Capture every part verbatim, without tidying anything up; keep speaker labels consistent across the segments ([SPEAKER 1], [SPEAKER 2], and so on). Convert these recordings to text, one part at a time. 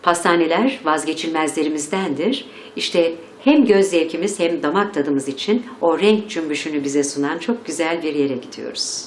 [SPEAKER 1] Pastaneler vazgeçilmezlerimizdendir. İşte hem göz zevkimiz hem damak tadımız için o renk cümbüşünü bize sunan çok güzel bir yere gidiyoruz.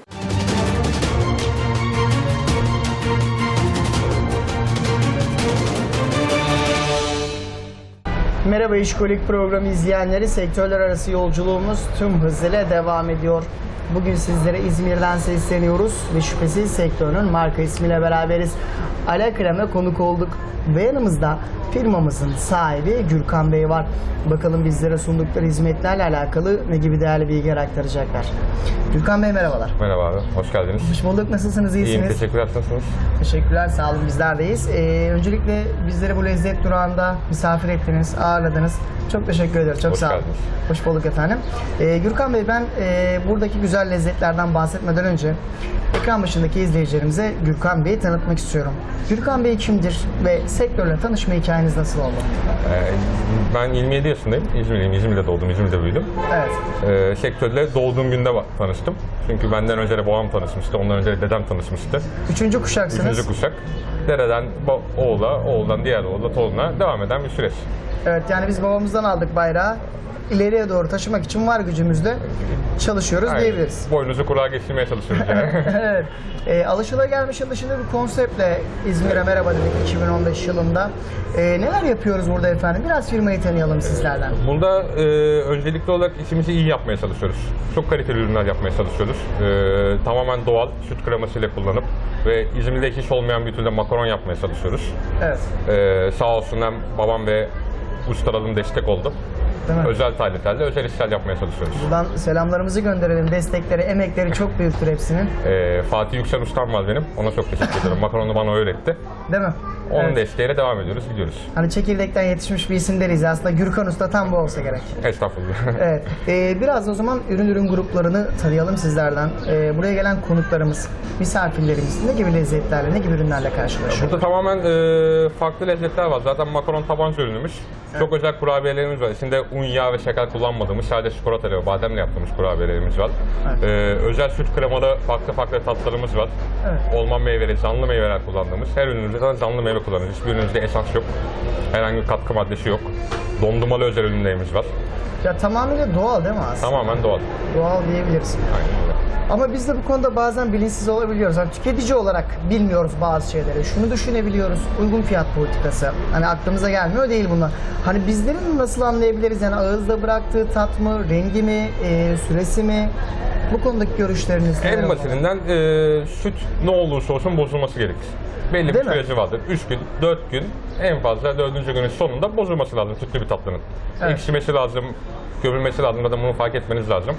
[SPEAKER 2] Merhaba İşkolik programı izleyenleri, sektörler arası yolculuğumuz tüm hızıyla devam ediyor. Bugün sizlere İzmir'den sesleniyoruz ve şüphesiz sektörün marka ismiyle beraberiz. Ala Krem'e konuk olduk ve yanımızda firmamızın sahibi Gürkan Bey var. Bakalım bizlere sundukları hizmetlerle alakalı ne gibi değerli bilgiler aktaracaklar. Gürkan Bey merhabalar.
[SPEAKER 3] Merhaba abi, hoş geldiniz.
[SPEAKER 2] Hoş bulduk, nasılsınız, iyisiniz?
[SPEAKER 3] İyiyim, teşekkürler, nasılsınız?
[SPEAKER 2] Teşekkürler, sağ olun, bizler deyiz. Ee, öncelikle bizleri bu lezzet durağında misafir ettiniz, ağırladınız. Çok teşekkür ederim, çok
[SPEAKER 3] Hoş
[SPEAKER 2] sağ olun.
[SPEAKER 3] geldiniz.
[SPEAKER 2] Hoş bulduk efendim. Ee, Gürkan Bey, ben e, buradaki güzel lezzetlerden bahsetmeden önce ekran başındaki izleyicilerimize Gürkan Bey'i tanıtmak istiyorum. Gürkan Bey kimdir ve sektörle tanışma hikayeniz nasıl oldu?
[SPEAKER 3] Ee, ben yirmi yedi yaşındayım, İzmirliyim, İzmir'de doğdum, İzmir'de büyüdüm.
[SPEAKER 2] Evet.
[SPEAKER 3] Ee, sektörle doğduğum günde tanıştım. Çünkü benden önce de babam tanışmıştı, ondan önce de dedem tanışmıştı.
[SPEAKER 2] Üçüncü kuşaksınız.
[SPEAKER 3] Üçüncü kuşak. Dereden oğula, oğuldan diğer oğula, torununa devam eden bir süreç.
[SPEAKER 2] Evet, yani biz babamızdan aldık bayrağı. İleriye doğru taşımak için var gücümüzle çalışıyoruz
[SPEAKER 3] Aynen.
[SPEAKER 2] diyebiliriz.
[SPEAKER 3] Boynunuzu kulağa geçirmeye çalışıyoruz yani.
[SPEAKER 2] Evet. E, alışılagelmişin dışında bir konseptle İzmir'e merhaba dedik iki bin on beş yılında. E, neler yapıyoruz burada efendim? Biraz firmayı tanıyalım sizlerden.
[SPEAKER 3] Burada e, öncelikli olarak işimizi iyi yapmaya çalışıyoruz. Çok kaliteli ürünler yapmaya çalışıyoruz. E, tamamen doğal süt kremasıyla kullanıp ve İzmir'de hiç olmayan bir türde makaron yapmaya çalışıyoruz.
[SPEAKER 2] Evet.
[SPEAKER 3] E, sağ olsun hem babam ve ustalarım destek oldu.
[SPEAKER 2] Değil mi?
[SPEAKER 3] Özel taleplerle özel işler yapmaya çalışıyoruz.
[SPEAKER 2] Buradan selamlarımızı gönderelim. Destekleri, emekleri çok büyüktür hepsinin.
[SPEAKER 3] E, Fatih Yüksel ustam var benim. Ona çok teşekkür ederim. Makaronu bana öğretti.
[SPEAKER 2] Değil mi?
[SPEAKER 3] Onun
[SPEAKER 2] Evet.
[SPEAKER 3] desteğiyle devam ediyoruz, gidiyoruz.
[SPEAKER 2] Hani çekirdekten yetişmiş bir isim deriz. Aslında Gürkan Usta tam bu olsa gerek.
[SPEAKER 3] Estağfurullah.
[SPEAKER 2] Evet. Ee, biraz da o zaman ürün ürün gruplarını tanıyalım sizlerden. Ee, buraya gelen konuklarımız, misafirlerimiz ne gibi lezzetlerle, ne gibi ürünlerle karşılaşıyor?
[SPEAKER 3] Burada tamamen e, farklı lezzetler var. Zaten makaron tabanca ürünümüz. Evet. Çok özel kurabiyelerimiz var. İçinde un, yağ ve şeker kullanmadığımız, sadece çikolata ve bademle yaptığımız kurabiyelerimiz var.
[SPEAKER 2] Evet.
[SPEAKER 3] E, özel süt kremalı farklı farklı tatlarımız var.
[SPEAKER 2] Evet.
[SPEAKER 3] Olman meyveleri, canlı meyveler kullandığımız. Her ürünümüzde zaten canlı meyve kullanıyoruz. Hiçbir ürünümüzde esans yok. Herhangi bir katkı maddesi yok. Dondurmalı özel ürünlerimiz var.
[SPEAKER 2] Ya tamamıyla doğal değil mi aslında?
[SPEAKER 3] Tamamen doğal.
[SPEAKER 2] Doğal diyebiliriz.
[SPEAKER 3] Aynen öyle.
[SPEAKER 2] Ama biz de bu konuda bazen bilinçsiz olabiliyoruz. Yani tüketici olarak bilmiyoruz bazı şeyleri. Şunu düşünebiliyoruz, uygun fiyat politikası. Hani aklımıza gelmiyor değil bunlar. Hani bizlerin nasıl anlayabiliriz? Yani ağızda bıraktığı tat mı, rengi mi, e, süresi mi? Bu konudaki görüşleriniz neler
[SPEAKER 3] En
[SPEAKER 2] olur?
[SPEAKER 3] basitinden e, süt ne olursa olsun bozulması gerekir. Belli
[SPEAKER 2] Değil
[SPEAKER 3] bir
[SPEAKER 2] mi?
[SPEAKER 3] süreci vardır. üç gün, dört gün, en fazla dördüncü günün sonunda bozulması lazım sütlü bir tatlının.
[SPEAKER 2] Evet.
[SPEAKER 3] Ekşimesi lazım, gömülmesi lazım ya da bunu fark etmeniz lazım.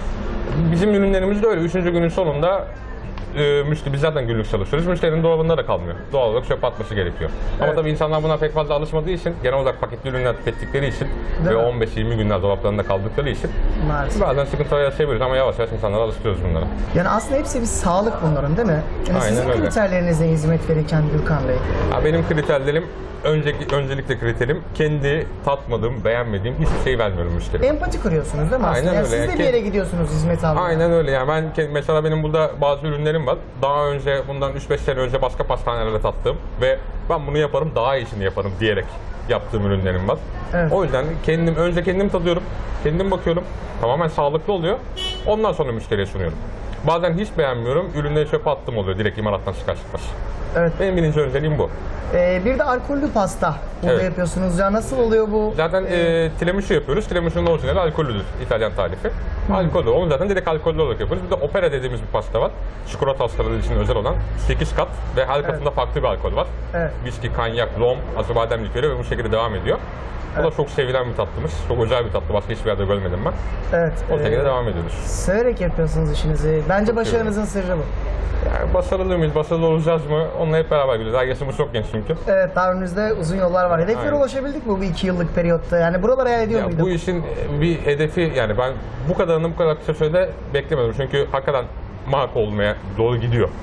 [SPEAKER 3] Bizim ürünlerimiz de öyle. Üçüncü günün sonunda e, müşteri, biz zaten günlük çalışıyoruz. Müşterinin dolabında da kalmıyor. Doğal olarak çöpe atması gerekiyor. Ama
[SPEAKER 2] Evet.
[SPEAKER 3] tabii insanlar buna pek fazla alışmadığı için, genel olarak paketli ürünler tükettikleri için
[SPEAKER 2] Değil
[SPEAKER 3] ve
[SPEAKER 2] mi?
[SPEAKER 3] on beş yirmi günler dolaplarında kaldıkları için
[SPEAKER 2] Maalesef.
[SPEAKER 3] bazen sıkıntılar yaşayabiliyoruz ama yavaş yavaş insanlara alıştırıyoruz bunlara.
[SPEAKER 2] Yani aslında hepsi bir sağlık bunların değil mi? Yani
[SPEAKER 3] Aynen
[SPEAKER 2] sizin
[SPEAKER 3] öyle.
[SPEAKER 2] kriterlerinize hizmet verirken Gürkan Bey.
[SPEAKER 3] Ha, benim kriterlerim, önceki, öncelikle kriterim kendi tatmadığım, beğenmediğim hiçbir şey vermiyorum müşteriye.
[SPEAKER 2] Empati kuruyorsunuz değil mi aslında?
[SPEAKER 3] Aynen
[SPEAKER 2] Yani
[SPEAKER 3] öyle.
[SPEAKER 2] siz de
[SPEAKER 3] Yani
[SPEAKER 2] bir yere
[SPEAKER 3] kend-
[SPEAKER 2] gidiyorsunuz hizmet almaya.
[SPEAKER 3] Aynen öyle yani ben ke- mesela benim burada bazı ürünlerim var. Daha önce bundan üç beş sene önce başka pastanelerde tattığım ve ben bunu yaparım daha iyisini yaparım diyerek yaptığım ürünlerim var.
[SPEAKER 2] Evet.
[SPEAKER 3] O yüzden kendim önce kendim tadıyorum, kendim bakıyorum. Tamamen sağlıklı oluyor. Ondan sonra müşteriye sunuyorum. Bazen hiç beğenmiyorum, ürünleri çöpe attım oluyor direkt imalattan çıkar çıkmaz.
[SPEAKER 2] Evet.
[SPEAKER 3] Benim birinci önceliğim bu.
[SPEAKER 2] Ee, bir de alkollü pasta burada
[SPEAKER 3] Evet.
[SPEAKER 2] yapıyorsunuz ya. Nasıl oluyor bu?
[SPEAKER 3] Zaten e, tiramisu yapıyoruz. Tiramisu'nun orijinali alkollüdür. İtalyan tarifi. Alkollü. Onu zaten direkt alkollü olarak yapıyoruz. Bir de opera dediğimiz bir pasta var. Çikolata hastaları için özel olan sekiz kat ve her katında farklı bir alkol var.
[SPEAKER 2] Evet.
[SPEAKER 3] Viski, kanyak, rom, acıbadem likörü ve bu şekilde devam ediyor. O da çok sevilen bir tatlımız. Çok özel bir tatlı. Başka hiçbir yerde görmedim ben.
[SPEAKER 2] Evet.
[SPEAKER 3] O şekilde
[SPEAKER 2] e,
[SPEAKER 3] devam ediyoruz.
[SPEAKER 2] Severek yapıyorsunuz işinizi. Bence başarınızın sırrı bu.
[SPEAKER 3] Yani başarılı mıyız, başarılı olacağız mı? Onunla hep beraber gidiyoruz. Her yaşımız çok genç çünkü.
[SPEAKER 2] Evet, daha önümüzde uzun yollar var. Hedeflere
[SPEAKER 3] Aynen.
[SPEAKER 2] ulaşabildik mi bu iki yıllık periyotta? Yani buralara hayal ediyor
[SPEAKER 3] Ya
[SPEAKER 2] muyduk?
[SPEAKER 3] bu işin bir hedefi yani ben bu kadarını bu kadar kısa sürede beklemedim. Çünkü hakikaten marka olmaya doğru gidiyor.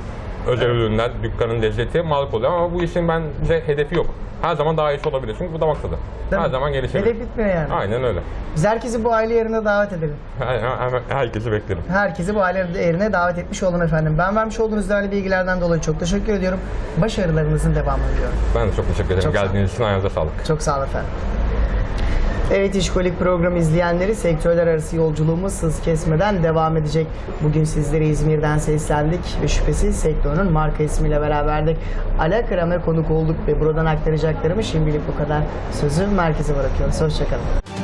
[SPEAKER 3] Özel ürünler, dükkanın lezzeti mal oluyor ama bu işin bence hedefi yok. Her zaman daha iyisi olabilir çünkü bu damak tadı.
[SPEAKER 2] Değil
[SPEAKER 3] Her
[SPEAKER 2] mi?
[SPEAKER 3] zaman gelişebilir.
[SPEAKER 2] Hedef bitmiyor yani.
[SPEAKER 3] Aynen öyle.
[SPEAKER 2] Biz herkesi bu aile yerine davet edelim.
[SPEAKER 3] Her- her- Herkesi beklerim.
[SPEAKER 2] Herkesi bu aile yerine davet etmiş olun efendim. Ben vermiş olduğunuz değerli bilgilerden dolayı çok teşekkür ediyorum. Başarılarınızın devamını diliyorum.
[SPEAKER 3] Ben de çok teşekkür ederim.
[SPEAKER 2] Çok sağ olun.
[SPEAKER 3] Geldiğiniz için ayağınıza sağlık.
[SPEAKER 2] Çok sağ olun efendim. Evet, İşkolik programı izleyenleri, sektörler arası yolculuğumuz hız kesmeden devam edecek. Bugün sizlere İzmir'den seslendik ve şüphesiz sektörün marka ismiyle beraberdik. Ala Kram'a konuk olduk ve buradan aktaracaklarımı şimdilik bu kadar. Sözü merkeze bırakıyoruz. Hoşçakalın.